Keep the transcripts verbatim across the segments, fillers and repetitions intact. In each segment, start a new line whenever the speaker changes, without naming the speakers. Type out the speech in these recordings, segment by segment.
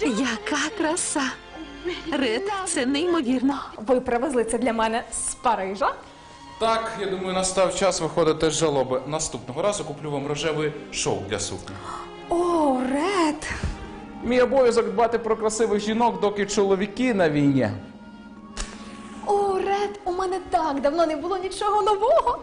Яка краса! Ред, це неймовірно.
Ви привезли це для мене з Парижа?
Так, я думаю, настав час виходити з жалоби. Наступного разу куплю вам рожевий шовк для сукні.
О, Ред!
Мій обов'язок дбати про красивих жінок, доки чоловіки на війні.
О, Ред, у мене так давно не було нічого нового.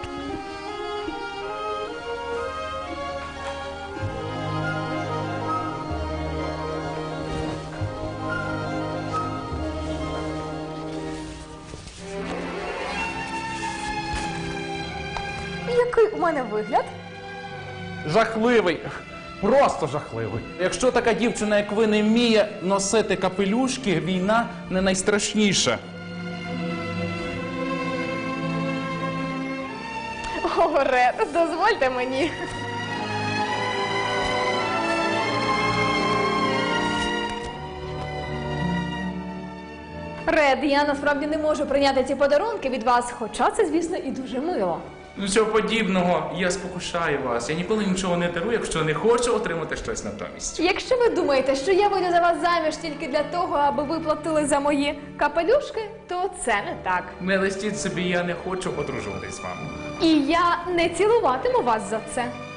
Який у мене вигляд?
Жахливий. Просто жахливий. Якщо така дівчина, як ви, не вміє носити капелюшки, війна не найстрашніша.
О, Ред, дозвольте мені. Ред, я насправді не можу прийняти ці подарунки від вас, хоча це, звісно, і дуже мило.
Нічого подібного, я спокушаю вас. Я ніколи нічого не дарую, якщо не хочу отримати щось натомість.
Якщо ви думаєте, що я вийду за вас заміж тільки для того, аби ви платили за мої капелюшки, то це не так.
Не листіть собі, я не хочу одружуватись з вами.
І я не цілуватиму вас за це.